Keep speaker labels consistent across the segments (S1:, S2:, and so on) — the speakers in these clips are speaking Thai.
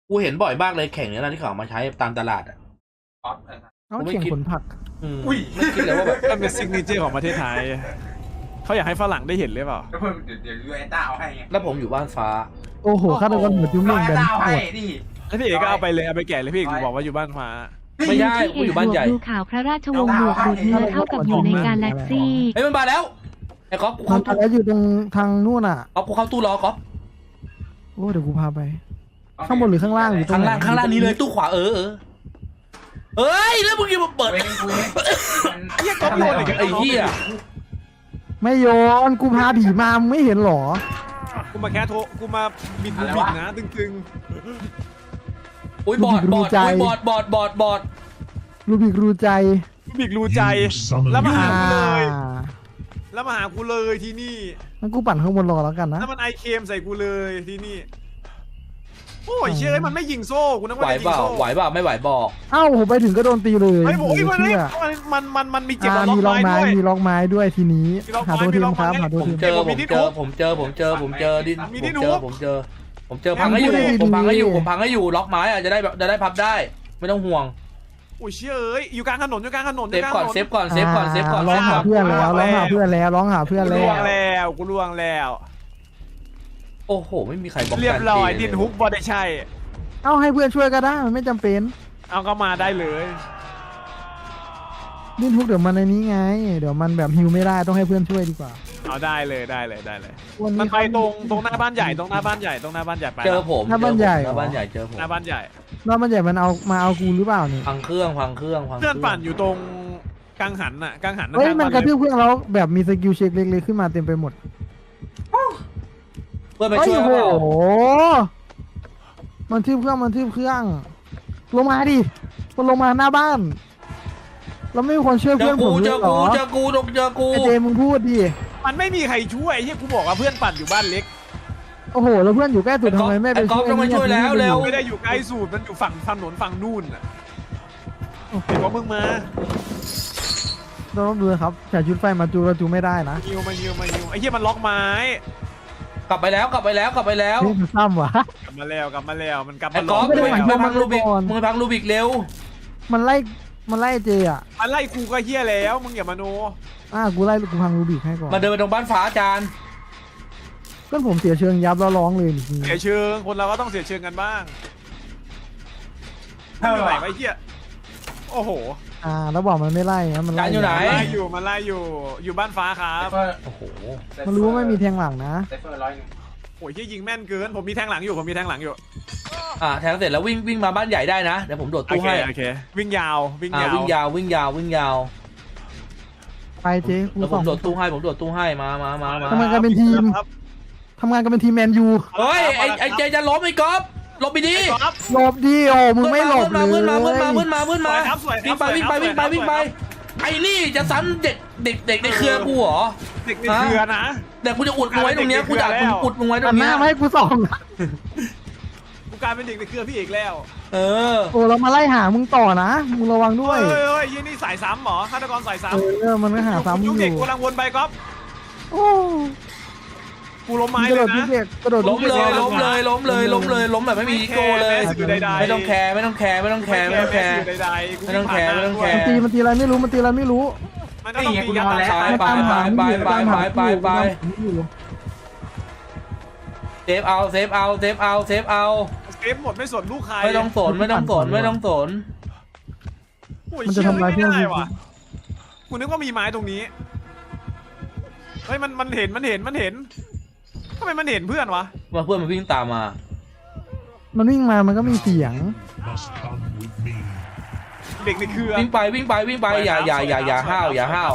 S1: กูเห็นบ่อยมากเลยแข่งเนี้ยนะที่เขาเอามาใช้ตามตลาดอ่ะ
S2: เอาเขียงผลผัก
S1: อุ้ยไม่คิดเลยว่าแบบ
S3: มันเป็นซิกเนเจอร์ของประเทศไทยเขาอยากให้ฝรั่งได้เห็นหรือเปล่า
S4: แล้วเพิ่มเดี๋ยวยูไอต้าเอาให้ไง
S1: แล้วผมอยู่บ้านฟ้า
S2: โอ้โหข้าตะวันหมดยุ่ง
S4: ยู
S2: เรื่อง
S4: ไอ
S2: แบบ
S4: ต้า
S2: นี้
S4: เอา
S2: ห
S4: ให้
S2: มด
S4: นี่
S3: แล้วพี่เอกก็เอาไปเลยเอาไปแกะเลยพี่เอกบอกว่าอยู่บ้านฟ้า
S1: ไม่ใช่กูอยู่บ้านใหญ่
S5: ดูข่าวพระราชวงศ์บวกดูดเนื้อเท่ากับอยู่ในกาแล็กซี่
S1: เฮ้ยมันมาแล้วไอ้ก๊อฟกู
S2: มั
S1: เข้าน ตู้
S2: แล้วอยู่ตรงทางนู่นอ่ะ
S1: ก๊อฟกูเข้าตู้รอก๊อฟ
S2: โอ้เดี๋ยวกูพาไป ข้างบนหรือข้างล่างหรือตร
S1: ข้าง
S2: ไหน
S1: ล่างนี้เลยตู้ขวาเเอ้ยแล้วมึงยังมาเปิด
S4: เว้ยกูเอง
S3: เหี้ยก๊อฟโยนอีก
S1: ไอ้เหี้ย
S2: ไม่โยนกูพาผีมามึงไม่เห็นหรอ
S3: กูมาแค่โทรกูมาบิดนะตึง
S1: อุ้ยบอด
S2: รู้ใจ รูบิกรูใจ
S3: ๆบิกรูใจแล้วมาหากูเลย
S2: อ่า
S3: แล้วมาหากูเลยที่นี่
S2: งั้นกูปั่นข้างบนรอแล้วกันนะ
S3: แล้วมันไอเคมใส่กูเลยที่นี่โอ้ยเชื่อมันไม่ยิงโซ่กูนึก
S1: ไหว
S3: ว่าจะยิ
S1: เป
S3: ง
S1: ล่า
S3: โซ่
S1: ไหวเปล่าไม่ไหวบอก
S2: เอ้าผมไปถึงก็โดนตีเลย
S3: เฮ้ยโอ้ยมัน
S2: เชื่อ
S3: มันมีเก็บ
S2: มี
S3: ล็
S2: ล็
S3: อ
S2: อก ก
S3: ไม้
S2: ไม้
S3: ด้วย
S2: มีล็อกไม้ด้วยทีนี้
S3: มีล็อกไม้
S2: หาตัว
S3: มี
S2: ทีม
S3: ล็อก
S2: ครับ
S3: ไม้
S2: หาตัว
S1: ผม
S2: ทีม
S1: เจอพังให้อยู่ผมพังให้อยู่ล็อกไม้อะจะได้พับได้ไม่ต้องห่วง
S3: โอ้ยเชื่อเอ้ยอยู่กลางถนนอยู่กลางถนน
S1: เซฟก่อนเซฟก่อนเซฟก่อนเซฟก่อน
S2: ร้องหาเพื่อนแล้วร้องหาเพื่อนแล้วร้องหาเพื่อน
S3: กู
S2: แล้
S3: ล่ว
S2: ว
S3: งแล้วกูล่วงแล้ว
S1: โอ้โหไม่มีใครบอก
S3: เรียบร้อยดินฮุกบอได้ใช่
S2: เอ้าให้เพื่อนช่วยก็ได้มันไม่จำเป็น
S3: เอาก็มาได้เลย
S2: ดิ้นทุกเดี๋ยวมันในนี้ไง เดี๋ยวมันแบบฮิวไม่ได้ต้องให้เพื่อนช่วยดีกว่า
S3: เอาได้เลยได้เลยได้เลย
S2: วัน
S3: มั
S2: นี้
S3: นไปตรงหน้าบ้านใหญ่ตรงหน้าบ้านใหญ่ตรงหน้าบ้านใหญ่ไป
S1: เจอผม
S2: หน้าบ้านใหญ่
S1: หน้าบ้านใหญ่เจอผม
S3: หน้าบ้านใหญ่
S2: ว่ามันใหญ่มันเอามาเอากูหรือเปล่าเนี่ย
S1: พังเครื่อง
S3: เพื่อนปั่นอยู่ตรงกังหันน่ะกังหัน
S2: เฮ้ยมันกระทืบ
S3: บ
S2: เพื่อนแล้วแบบมีสกิลเช็คเล็กๆขึ้นมาเต็มไปหมด
S1: เพื่อนไป
S2: เฮ้ย
S1: ช่วย
S2: โอ้
S1: เปล่า
S2: โหมันทืบเครื่องลงมาดิมันลงมาหน้าบ้านเราไม่มีคนช่วย
S1: เจ
S2: เพื่
S1: อ
S2: อนผ
S1: กู
S2: มเล
S1: เจ
S2: ย
S1: อ
S2: เหร
S1: กู
S2: อ
S1: เจอกูเจอกู
S2: ไอเจมึงพูดดิ
S3: มันไม่มีใครช่วยไอ้ที่กูบอกว่าเพื่อนปั่นอยู่บ้านเล็ก
S2: โอ้โหแล้วเพื่อนอยู่ใกล้สุดทำไมไม่ไป
S1: ก๊อฟต้องมาช่วยแล้วเร็ว
S3: ไม่ได้อยู่ใกล้สูตรมันอยู่ฝั่งถนนฝั่งนู่นน่ะเห็นว่ามึงมา
S2: ต้องดูครับแต่ชุดไฟมาจูเราจูไม่ได้นะ
S3: ฮิวไอ้เหี้ยมันล็อกไม้
S1: กลับไปแล้ว
S2: นี่มันซ้ำวะ
S3: กลับมาแล้วมันกลับ
S1: ไอ้
S3: มา
S1: ก๊อฟ
S2: ไม่ได้
S1: ไปพังรูบิก
S2: ก่อน
S1: มึงไปพังรูบิกเร็ว
S2: มันไล่เจอ่ะ
S3: มันไล่กูก็เหี้ยแล้วมึงอย่ามาโน
S2: กูไล่กูพังรูบิกให้ก่อน
S1: มาเดินไปตรงบ้านฟ้าอาจารย์
S2: เพื่อนผมเสียเชิงยับแล้วร้องเลยจริง
S3: เสียเชิงคนเราก็ต้องเสียเชิงกันบ้าง
S4: เท่า
S3: อยู่
S4: ไห
S3: ไหน
S4: ร่
S3: ไอ้เหี้ยโอ้โห
S2: แล้วบอกมันไม่ไล่นะมัน
S1: อาจารย์อยู่ไหน
S3: มันไล่อยู่อยู่บ้านฟ้าครับ
S1: โอ้โห
S2: มันรู้ว่าไม่มีแทงหลังนะ
S4: ไซเฟอร์100นึง
S3: โอ้ยเหี้ยยิงแม่นเกินผมมีแทงหลังอยู่
S1: แทงเสร็จแล้ววิ่งมาบ้านใหญ่ได้นะเดี๋ยวผมโดด
S3: โอ
S1: ตู้
S3: เค
S1: ให้
S3: โอเควิ่งยาว
S1: วิ่งยาว
S2: ไปเจ๊กู
S1: แล้วผ
S2: ส่อ
S1: ม
S2: ง
S1: โดดตู้ให้มา
S2: ทำงานกันเป็นทีม
S3: ครับ
S2: ทำงานกันเป็นทีมแมนยู
S1: เฮ้ยไอ้เจจะล้มไอ้ก๊อฟหลบไปดิ
S3: ครับ
S2: หลบดิโอมึงไม่หลบเลย
S1: มืดมา
S3: สวยครับ
S1: วิ่งไปไอ้นี่จะซ้ำเด็กในเครือกูเหรอ
S3: เด็กในเครือนะ
S1: เดี๋ยวกูจะอุดมึงไว้ตรงเนี้ยกูจะอุดมึงไว้ตร
S2: หั
S1: ง
S2: นห
S1: เนี้
S2: น้าย มาให้กูส่อง
S3: กูกลายเป็นเด็กในเครือพี่เอกแล้ว
S1: เออ
S2: โอ้เรามาไล่หามึงต่อนะมึงระวังด้วย
S3: เฮ้ยยี่นี่สายซ้ำเหรอฆาตกรสายซ้ำ
S2: มันก็หาซ้ำมึ
S3: ยุ
S2: ง
S3: ค
S2: อ
S3: เด็ก
S2: ยู่
S3: กูกำลังวนไปก๊อฟ
S2: โอ้
S3: กูล้มไม้
S2: กระ
S3: เล
S2: โด
S3: ย
S2: ด
S3: นะ
S2: ทุกเด็กกระโดด
S1: ล้มเลยล้มแบบไม่มีโก้เลย
S3: ใดๆ
S1: ไม่ต้องแคร์ไม่ต้องแคร์
S3: ใดๆกู
S2: มันตีอะไรไม่รู้มันตีอะไรไม่รู้
S3: มันก็ต้องตียัด
S1: ไปเซฟเอา
S3: เซฟหมดไม่สนลูกใคร
S1: ไม่ต้องสน
S2: มันจะทำลายเพื่อน
S3: ไม่ได้ว่ะกูนึกว่ามีไม้ตรงนี้เฮ้ยมันเห็นทำไมมันเห็นเพื่อนวะ
S1: มาเพื่อนมันวิ่งตามมา
S2: มันวิ่งมามันก็มีเสียง
S3: เด็กในเครือ
S1: วิ่งไปอย่าห้าว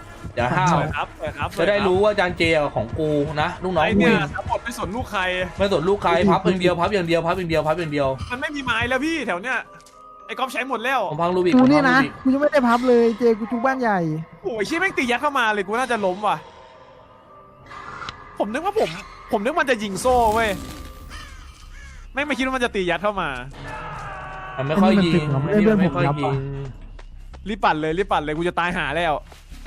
S1: จะได้รู้ว่าจานเจของกูนะลูกน้อง
S3: ไอ้
S1: กู
S3: เนี่ยทั้งหมดไม่สนลูกใคร
S1: ไม่สนลูกใครพับอย่างเดียว
S3: มันไม่มีไม้แล้วพี่แถวเนี้ยไอ้ก๊อฟใช้หมดแล้ว
S1: ผมพังรูบิก
S2: กูนี่นะกูยังไม่ได้พับเลยเจกูจุกบ้านใหญ่
S3: โอ้ยชี้แม่งตียัดเข้ามาเลยกูน่าจะล้มว่ะผมนึกมันจะยิงโซ่เว้ยไม่คิดว่ามันจะตียัดเข้ามา
S1: มันไม่ค่อยยิง
S3: รีบปั่นเลยกูจะตายหาแล้ว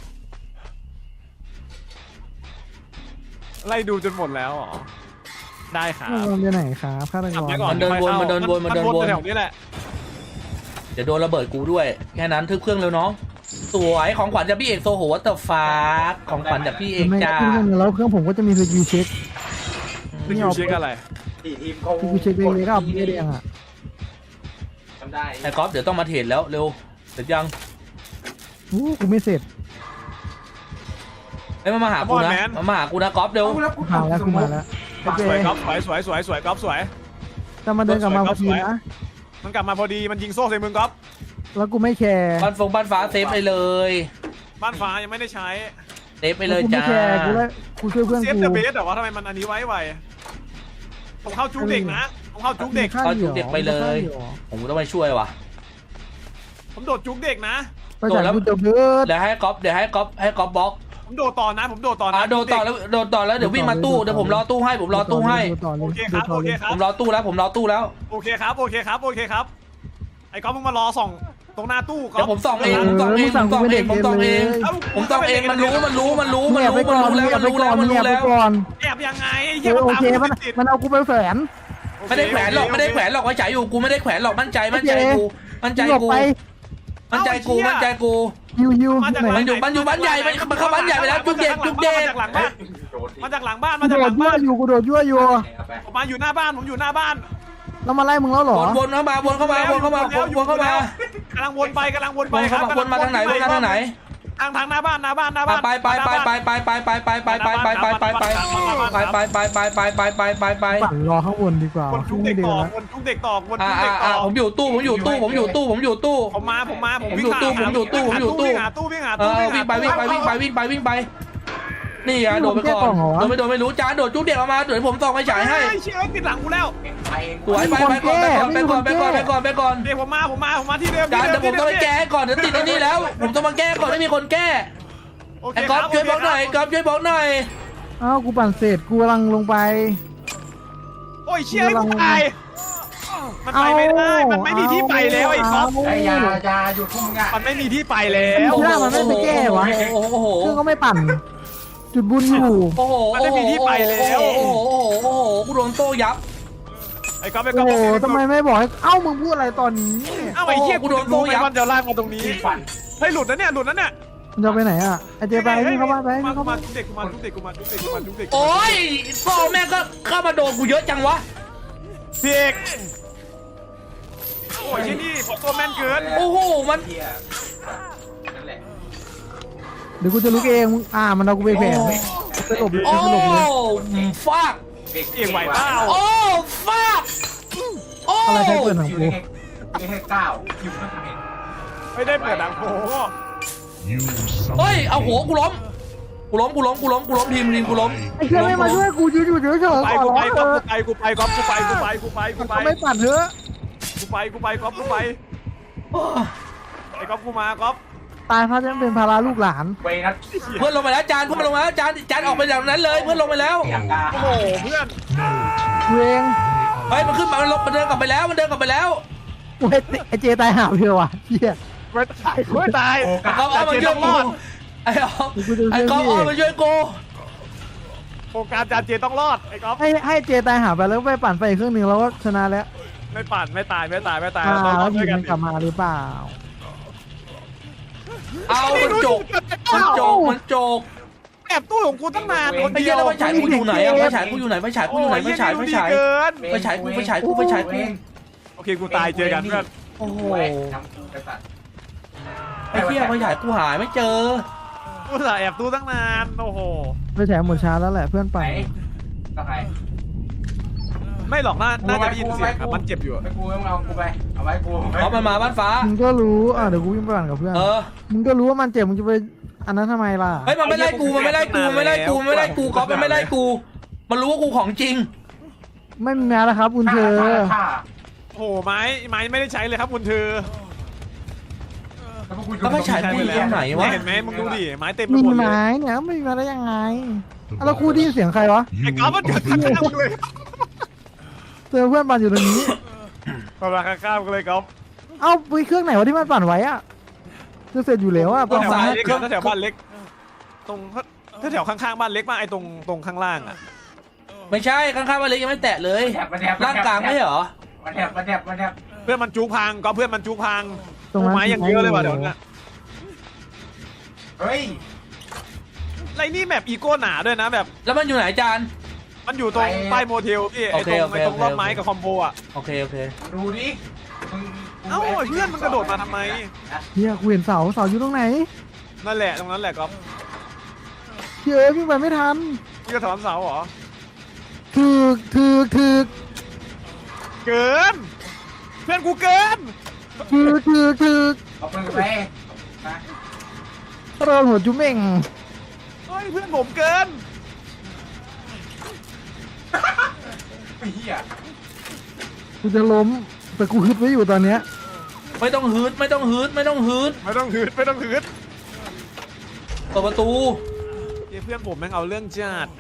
S3: ไล่ดูจนหมดแล้วอ๋อได้ครับ
S2: มันไปไหนครับฆาตก
S3: ขับ
S2: ร
S3: ไปก่อน
S1: มันเดินวนมันเดินวนมันเดินวน
S3: แถวนี้แหละ
S1: เดี๋ยวโดนระเบิดกูด้วยแค่นั้นทึบเครื่องเร็วน้องสวยของขวัญจากพี่เอกโซโหวัตเตอร์ฟ้าของขวัญจากพี่เอก
S2: ไม่
S1: จ้า
S2: ขึ้นเครื่องแล้วเครื่องผมก็จะมีสกิลเช็ค
S3: นี่เอาเช็คอะไร
S4: ทีมเขา
S2: สกิลเช็คเล็กๆก็ไม่ได้ยังอ่ะ
S4: ทำได้
S1: ไอ้ก๊อฟเดี๋ยวต้องมาเทรดแล้วเร็วเสร็จยัง
S2: กูไม่เสร็จ
S1: ไอ้ยมันมาหากูนะมันมาหากูนะก๊อฟเร็ว
S2: มาแล้วกูมาแล้วโอเค
S3: สวยก๊อฟสวยก๊อฟสวย
S2: จะมาเดินกลับมาพอดีนะ
S3: มันกลับมาพอดีมันยิงโซ่ใส่มึงก๊อฟ
S2: แล้วกูไม่แคร์
S1: บ้านฟงบ้านฟ้าเซฟไปเลย
S3: บ้านฟ้ายังไม่ได้ใช้
S1: เซฟไปเลย
S2: กูไม่
S1: จ้า
S2: แคร์กูช่วยเพื่อน
S3: เซฟ
S2: กู
S3: เดอะเบสแต่ว่าทำไมมันอันนี้ไวผมเข้าจุกเด็กนะผมเข้าจุกเด็ก
S1: เอาจุกเด็กไปเลย ผมต้องไปช่วยว่ะ
S3: ผมโดดจุกเด็กนะ
S2: ไปจากกูจะเบิร์ด
S1: เดี๋ยวให้ก๊อฟบล็อก
S3: ผมโดดต่อนะผมโดดต่อนะ
S1: โดนต่อแล้วเดี๋ยววิ่งมาตู้เดี๋ยวผมรอตู้ให้ผมรอตู้ให้
S3: โอเคครับโอเคครั
S1: ผ
S3: บ
S1: มรอตู้แล้วผมรอตู้แล้ว
S3: โอเคครับโอเคครับไอ้ก๊อฟมึงมารอส่องตรงหน้าตู้ก๊อ
S1: เดี๋ย
S3: ฟ
S1: วผมส่องเองผมส่องเองมันรู้แล้วมันรู้แล้ว
S3: แอบยังไง
S2: โอเคมันเอากูไปแฝน
S1: ไม่ได้แขวนหรอกไว้ฉายอยู่กูไม่ได้แขวนหรอกมั่นใจกู
S2: ยู
S1: มันอยู่บ้านใหญ่มันเข้าบ้านใหญ่ไปแล้วจุกเด็ก
S3: มาจากหลังบ้าน
S2: กูโดดยั่วอยู่กูโดดยั่วอยู่
S3: ผมมาอยู่หน้าบ้านผมอยู่หน้าบ้าน
S2: แล้วมาไล่มึงแล้วเหรอ
S1: วนเข้ามากำ
S3: ลังวนไป
S1: วนมาทางไหน
S3: ทางหน้าบ้าน
S1: ไป
S2: ปั่นรอข้างบนดีกว่า
S3: วนจุกเด็กต่อวนจุกเด็กต่อ
S1: ผมอยู่ตู้ผม
S3: มาผมวิ่งหาตู้วิ่ง
S1: ไปนี่อ่ะโดดไปก่อนโดดไม่รู้จานโดดจุกเด็กออกมาเดี๋ยวผมส่องไฟฉายให้
S3: เชื่อติดหลังกูแล้ว
S1: สวยไปก่อนเ
S3: ดี๋ยวผมมาที่เดิม
S1: จานเดี๋ยวผมต้องไปแก้ก่อนเดี๋ยวติดนี่แล้วผมต้องมาแก้ก่อนไม่มีคนแก้ไอ้ก๊อฟช่วยบอกหน่อย
S2: อ้าวกูปั่นเสร็จกูกำลังลงไป
S3: โอ้ยเชี่ยกูตายมันไปไม่ได้มันไม่มีที่ไปแล้วไอ้ก๊อฟ
S4: ไอ้ยาหยุดพุ่งอ่ะ
S3: มันไม่มีที่ไปแล้ว
S2: เครื่องก็ไม่ปั่นจุดบุญอยู่
S1: โอ้โหกูโดนโต้ยับ
S3: ไอ้ก๊อฟ
S2: โอ้โหทำไมไม่บอกให้เอ้ามึงพูดอะไรตอนนี้
S3: เอ้าไอ้เชี่ยกูโดนโต้ยับมันจะลากมาตรงนี้เฮ้ยหลุดนะเนี่ย
S2: มันจะไปไหนอ่ะไอเจไปวิ่งเข้ามาไป
S3: กูมาทุกเด็กกูมาทุกเด็ก
S1: โอ้ยโซ่แม่ก็เข้ามาโดนกูเยอะจังวะ
S3: พี่เอกโอ้ยที่นี่ผมตัวแม่นเกิน
S1: โอ้โหมัน
S4: นั่นแหละ
S2: เดี๋ยวกูจะลุกเองมันเอากูไปแผลสลบเลย
S1: โอ้
S2: สลบเลย
S1: ฟาก
S3: เอกไหวเปล่า
S1: โอ้ฟากโอ้
S2: อะไรใครเปิดหนังกู
S4: ไม่ให้ก้าวอยู่ข้างใน
S3: ไม่ได้เปิดหนังโผ
S1: เฮ้ยเอาหัวกูล้มทีมกูล้ม
S2: ไอ้เชี่ยไม่มาช่วยกูอยู่เฉยๆขอร้อง
S3: ไป
S2: เถอะ
S3: กูไปก๊อฟกูไป
S2: เขาไม่ปั่นเถอะ
S3: กูไปก๊อฟกูไปไอ้ก๊อฟกูมาก๊อฟ
S2: ตายเพราะจะเป็นภาระลูกหลาน
S4: เวนัส
S1: เพื่อนลงไปแล้วจานออกไปจากนั้นเลยเพื่อนลงไปแล้ว
S4: อย่างกา
S3: โอ้โหเพื่อน
S2: กูเอง
S1: เฮ้ยมันขึ้นมามันเดินกลับไปแล้ว
S2: ไอเจตายหาเพียวว่ะเชี่ย
S3: ไม่ตาย
S1: เขาเอามาช่วยกูไอ้เขาเอามาช่วยกู
S3: โครงการจานเจต้องรอดไอ้ก๊อฟ
S2: ให้เจตายหาไปแล้วไปปั่นไปอีกเครื่องหนึ่งเราก็ชนะแล้ว
S3: ไม่ปั่นไม่ตาย
S2: แล้ว
S3: เรา
S2: ที
S3: ช่วย
S2: ม
S3: กัน
S2: มันกลับมาหรือเปล่า
S1: เอามันโจก
S3: แอบตู้ของกูตั้งนานคน
S1: ไอ้
S3: เดี
S1: เหี้
S3: ย
S1: ยว แล้วไฟฉายกูอยู่ไหนอะไฟฉายกูอยู่ไหน
S3: เกินโอเคกูตายเจอกันเพื่อน
S1: โอ้โห
S4: น้ำกูไปตัด
S1: ไอ้เหี้ยไฟฉายกูหายไม่เจอ
S3: กูสาแอบตู้ตั้งนานโอ้โห
S2: ไปแฉหมดช้าแล้วแหละเพื่อน
S4: ไหน
S2: ปั่น
S4: กับใคร
S3: ไม่หรอกน่าจะได้ยินเสียงมันเจ็บอยู่
S4: ไปกูเอากูไปเอาไว้กู
S1: เขามันมาบ้านฟ้า
S2: มึงก็รู้เดี๋ยวกูวิ่งไปปั่นกับเพื่อน มึงก็รู้ว่ามันเจ็บมึงจะไปอันนั้นทำไมล่ะ
S1: เฮ้ยมันไม่ไล่กูก๊อฟมันไม่ไล่กูมันรู้ว่ากูของจริง
S2: ไม่มีแม้แล้วครับคุณเธอ
S3: โอ้โหไม้ไม่ได้ใช้เลยครับคุณเธอ
S1: แล้วไฟฉายกูอยู่ตรงไหนวะ
S3: เห็นไหมมึงดูดิไม้เต็มไป
S2: มี
S3: หมดเลย
S2: ไม้เนี่ยไม่มีมาได้ยังไงแล้วกูได้ยินเสียงใครวะ
S3: ไอ้ก๊อฟมันเกิดข้างๆเลย
S2: เจอเพื่อนปั่นอยู่ตรงนี้
S3: กำลังข้างๆกันเลยก๊อฟ
S2: เอ้าไปเครื่องไหนวะที่มันปั่นไว้อะจะเสร็จอยู่แล้วอะ
S3: แถวบ้านเล็กแถวบ้านเล็กตรงแถวข้างๆบ้านเล็กมากไอ้ตรงข้างล่างอ่ะ
S1: ไม่ใช่ข้างๆบ้านเล็กยังไม่แตะเลย
S4: มันแถบ
S1: ร่างกลางไม่ใช่เหรอ
S4: มันแถบมันแถบมันแถบ
S3: เพื่อนมันจุกพังก็เพื่อนมันจุกพัง
S2: ตรงนั้น
S3: ไม้ยังเยอะเลยว่ะเดี๋ยวนี้
S4: เฮ้ย
S3: ไรนี่แมปอีโก้หนาด้วยนะแบบ
S1: แล้วมันอยู่ไหนจาน
S3: มันอยู่ตรงป้ายโมเทลพี่ไอ้
S1: โอเค
S3: ตรง
S1: โอเค
S3: ไอ้ตรงรอบ
S1: โอเค
S3: ไม้กับคอมโบอ่ะ
S1: โอเคโอเค
S4: ดูดิมึง
S3: เอ้าไอ้เพื่อนมันกระโดดมาทำไม
S2: เฮียกูเห็นเสาอยู่ตรงไหน
S3: นั่นแหละตรงนั้นแหละก๊อฟ
S2: เฮ้ยวิ่งไปไม่ทัน
S3: มึงจะถอนเสาเหรอ
S2: ถึก
S3: เกิน เพื่อนกูเกิน
S2: ถึก
S4: เอาปืนไปนะ
S2: โดนหัวจุ๊เม่ง
S3: เฮ้ยเพื่อนผมเกิน
S4: ไอ้เหี้ย
S2: กูจะล้มแต่กูฮึดไว้อยู่ตอนเนี้ย
S1: ไม่ต้องฮืดไม่ต้องฮืดไม่ต้องฮืด
S3: ไม่ต้องหืดไม่ต้องหืด
S1: เปิดประตู
S3: เฮ้ยเพื่อนผมแม่งเอาเรื่องจัด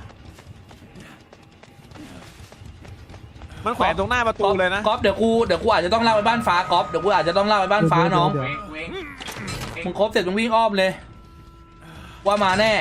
S3: มันแขวนตรงหน้าประตูเลยนะ
S1: ก๊อฟเดี๋ยวกูอาจจะต้องเล่าไปบ้านฟ้าก๊อฟเดี๋ยวกูอาจจะต้องเล่าไปบ้านฟ้าน้อง
S4: เว้งเว้ง
S1: มึงครบเสร็จมึงวิ่งอ้อมเลย ว่ามาแน่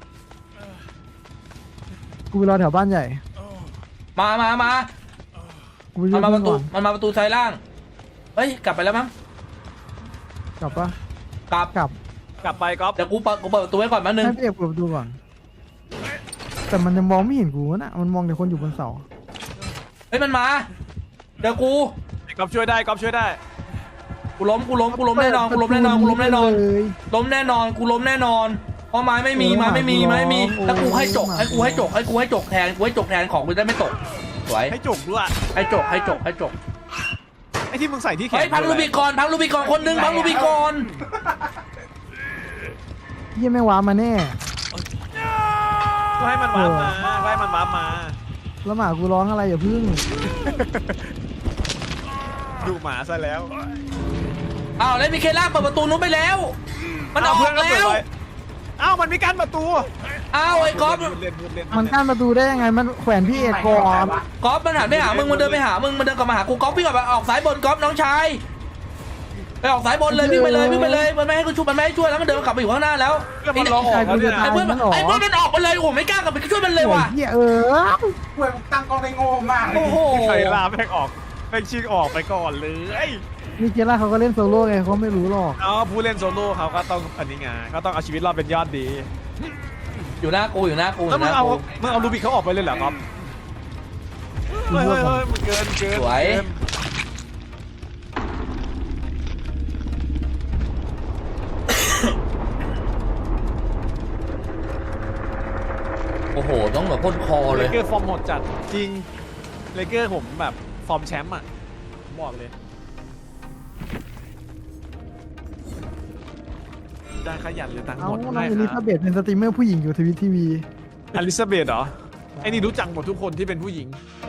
S2: กูไปรอแถวบ้านใหญ่
S1: มา
S2: กูไปยื
S1: มัน
S2: น
S1: มาประตู
S2: ก่อน
S1: มันมาประตูซ้ายล่าง เฮ้ย กลับไปแล้วมั้ง
S2: กลับปะ
S1: กลับ
S2: กลับ
S3: กลับไปก๊อฟ
S1: เดี๋ยวกูเปิดประตูไว้ก่อนแป๊บนึง
S2: ให้พี่เอกเปิดประตูก่อน แต่มันยังมองไม่เห็นกูนะมันมองแต่คนอยู่บนเสา
S1: เฮ้ยมันมา เดี๋ยวกู
S3: ก๊อฟช่วยได้ก๊อฟช่วยได้
S1: กูล้มแน่นอนกูล้มแน่นอนล้มแน่นอน
S2: เลย
S1: ล้มแน่นอนกูล้มแน่นอน เพราะไม้ไม่มีไม้ไม่มีแล้วกูให้จกแทนของกูจะไม่ตก สวย
S3: ให้จุกด้วย
S1: ให้จก
S3: ไอ้ที่มึงใส่ที่แขน
S1: เฮ้ยพังลูบิกอนคนนึงพังลูบิกอน
S2: เฮียไม่ว้ามาแน่
S3: ก็ให้มันวาร์ปมาก็ให้มันวาร์ปมา
S2: แล้วหมากูร้องอะไรอย่าพึ่ง
S3: ดูหมาซะแล้ว
S1: อ้าวแล้วมีเคล่าเปิดประตูนู้นไปแล้ว มันออก
S3: เพื่อนก็
S1: แล้
S3: เปิด
S1: ว
S3: ไว้อ้าวมันมีกั้นประตู
S1: อ้าวไอ้ก๊อฟ
S2: มันกั้นประตูได้ยังไงมันแขวนพี่เอกก่อน
S1: ก๊อฟมันหันไปหามึงมันเดินไปหามึงมันเดินกลับมาหากูก๊อฟวิ่งกลับมาออกสายบนก๊อฟน้องชายไปออกสายบนเลยวิ่งไปเลยมันไม่ให้กูช่วยมันไม่ให้ช่วยแล้วมันเดินกลับไปอยู่ข้างหน้าแล้ว
S3: เพื่อนมันรอออกแล้วเนี่ย
S1: ไอ้เพื่อนมันออกไปเลยโอ้ไม่กล้ากลับไปช่วยมันเลยว่ะ
S2: เฮีย
S4: เว้ยมึงตั้งกล้องได้โง่มากเลย
S1: โอ้โห
S3: ใครลาแม่งออกแม่งชิงออกไปก่อนเลย
S2: นี่เจล่าเขาก็เล่นโซโล่ไงเขาไม่รู้หรอก
S3: เอาผู้เล่นโซโล่เขาก็ต้องอันนี้ไงก็ต้องเอาชีวิตรอดเป็นยอดดี
S1: อยู่หน้ากู
S3: แล้วมึงเอาลูบิกเขาออกไปเลยเหรอครับเฮ้ยมันเกิน
S1: สวยโอ้โหต้องแบบพ่นคอ
S3: เล
S1: เลย
S3: เกอร์ฟอร์มโหดจัดจริงเลเกอร์ผมแบบฟอร์มแชมป์อ่ะบอกเลยได้ขยันเลยตังค์
S2: เอา
S3: หมด
S2: น้อง
S3: ได้
S2: เอลิ
S3: ค
S2: ซา
S3: รับ
S2: เบธเป็นสตรีมเมอร์ผู้หญิงอยู่ทวิตทีวี
S3: อลิซาเบธเหรอไอ้นี่รู้จักหมดทุกคนที่เป็นผู้หญิง